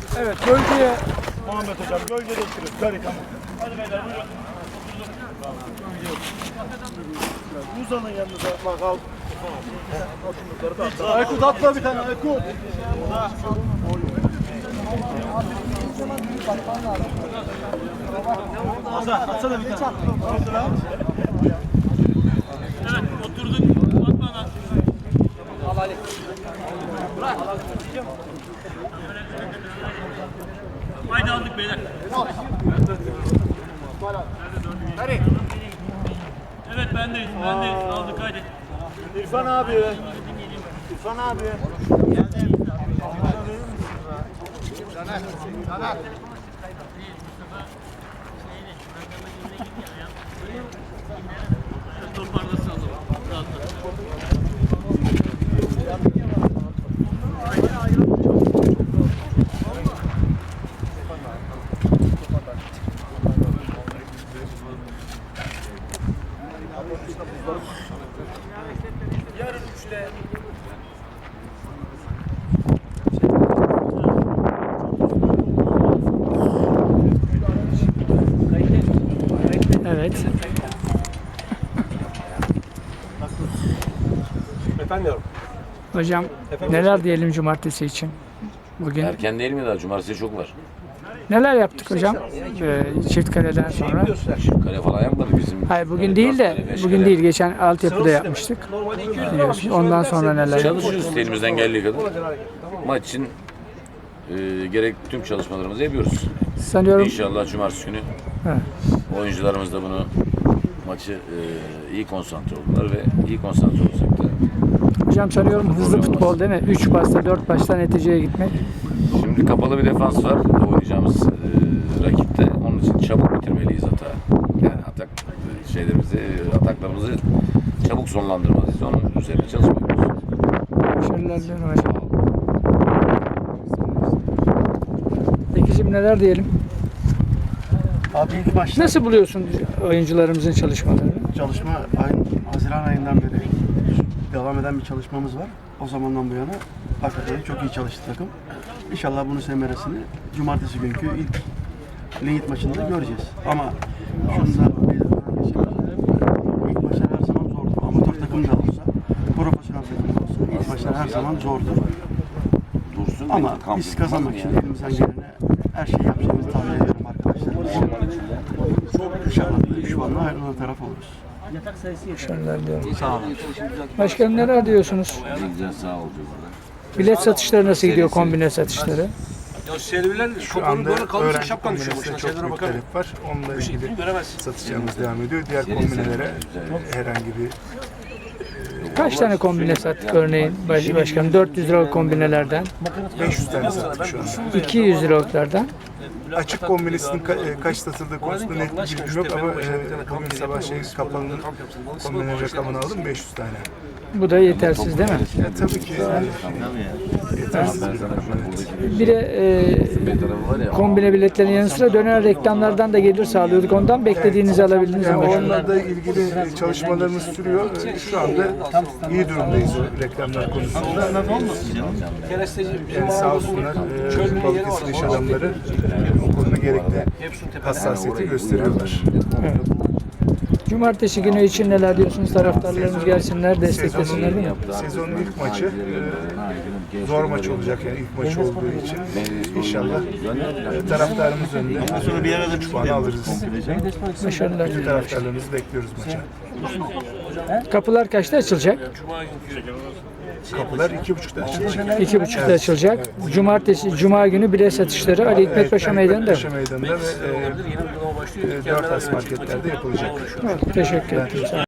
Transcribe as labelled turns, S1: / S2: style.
S1: Evet, gölgeye
S2: Muhammed hocam gölgede oturuyor. Gari tamam. Hadi beyler buyurun. Uzanın yanınıza. Bak al. Aykut atla bir tane Aykut. Hasan atsana bir tane.
S3: Evet, oturduk. Bak bana. Al Ali. Bırak. Haydi aldık beyler. Evet bendeyiz. Aldık haydi.
S2: İrfan abi. İrfan abi.
S3: Toparlasın o zaman. Rahatla.
S2: Yarın 3'le.
S1: evet.
S2: Efendim.
S1: Hocam neler diyelim cumartesi için? Bugün
S4: Erken değil mi daha? Cumartesi çok var.
S1: neler yaptık hocam? Çift kaleden sonra.
S4: Kale falan yapmadık bizim.
S1: Hayır bugün değil de bugün değil geçen altyapıda yapmıştık. Biliyorsun. Ondan sonra neler yaptık?
S4: Çalışıyoruz elimizden geldiği kadar. Maç için gerek tüm çalışmalarımızı yapıyoruz.
S1: Sanıyorum
S4: İnşallah cumartesi günü
S1: evet.
S4: oyuncularımız da bunu maçı iyi konsantre oldular ve iyi konsantre olacaklar.
S1: Hocam sanıyorum hızlı futbol değil mi? 3 pasta 4 pasta neticeye gitmek.
S4: Şimdi kapalı bir defans var oynayacağımız rakipte. Onun için çabuk bitirmeliyiz hata. Yani ataklarımızı çabuk sonlandırmalıyız. Onun üzerine çalışmalıyız.
S1: Başarılar diliyorum hocam. Peki şimdi neler diyelim?
S5: Abi ilk başta
S1: Nasıl buluyorsun oyuncularımızın çalışmalarını?
S5: çalışma Haziran ayından beri devam eden bir çalışmamız var. O zamandan bu yana hakikaten çok iyi çalıştı takım. İnşallah bunun semeresini cumartesi günkü ilk ligit maçında göreceğiz. Ama şunu da bir ilk maçlar her zaman zordu. Amatör takım da olsa, profesyonel takım da olsa ilk maçlar her zaman zordu.
S4: Dursun
S5: Ama biz kazanmak için elimizden geleni her şeyi yapacağımızı tahmin ediyorum arkadaşlarımız. İnşallah şu anda ayrılan taraf oluruz.
S1: Başarılar diliyorum. Sağ olun. Başkanım neler diyorsunuz?
S4: Güzel sağ ol.
S1: Bilet satışları nasıl gidiyor, kombine satışları?
S6: Ya serviler
S2: Şu anda öğrenci
S6: şapkan düşüyor
S2: kombinasına
S6: başına.
S2: çok
S6: Şeylere
S2: büyük
S6: bakar.
S2: talep var. Onunla ilgili
S6: Göremezsin.
S2: satışlarımız devam ediyor. Diğer kombinelere herhangi bir
S1: Kaç tane kombine sattık örneğin başkanım? 400 liralık kombinelerden,
S2: 500 tane sattık şu anda.
S1: 200 liralıklardan.
S2: Açık kombinesinin kaç satıldığı konusunda net bir bilgim yok ama bugün sabah kapalının kombine rakamını aldım 500 tane.
S1: Bu da yetersiz değil mi?
S2: Ya, tabii ki yetersiz bir rakam. Evet.
S1: Bir de kombine biletlerin yanı sıra dönen reklamlardan da gelir sağlıyorduk. Ondan beklediğinizi alabildiniz mi
S2: Yani
S1: başkanım?
S2: onlarla ilgili çalışmalarımız sürüyor. Şu anda iyi durumdayız o reklamlar konusunda. Yani sağ olsunlar Balıkesir iş adamları o konuda gerekli hassasiyeti gösteriyorlar.
S1: Evet. Cumartesi günü için neler diyorsunuz? Taraftarlarımız gelsinler, desteklesinler değil mi?
S2: Sezonun ilk maçı zor maç olacak yani ilk maç olduğu için inşallah taraftarımız önünde sonra bir arada 3 puan alırız.
S1: Başarılar
S2: Bütün
S1: diliyorum.
S2: taraftarlarımızı bekliyoruz maça.
S1: Kapılar kaçta açılacak?
S2: Kapılar 2.30'da açılacak.
S1: 2.30'da açılacak. Cumartesi, Cuma günü bilet satışları Ali Hikmet Paşa Meydanı'nda.
S2: Paşa Meydanı'nda ve 4 as marketlerde yapılacak.
S1: Evet, teşekkür ederim.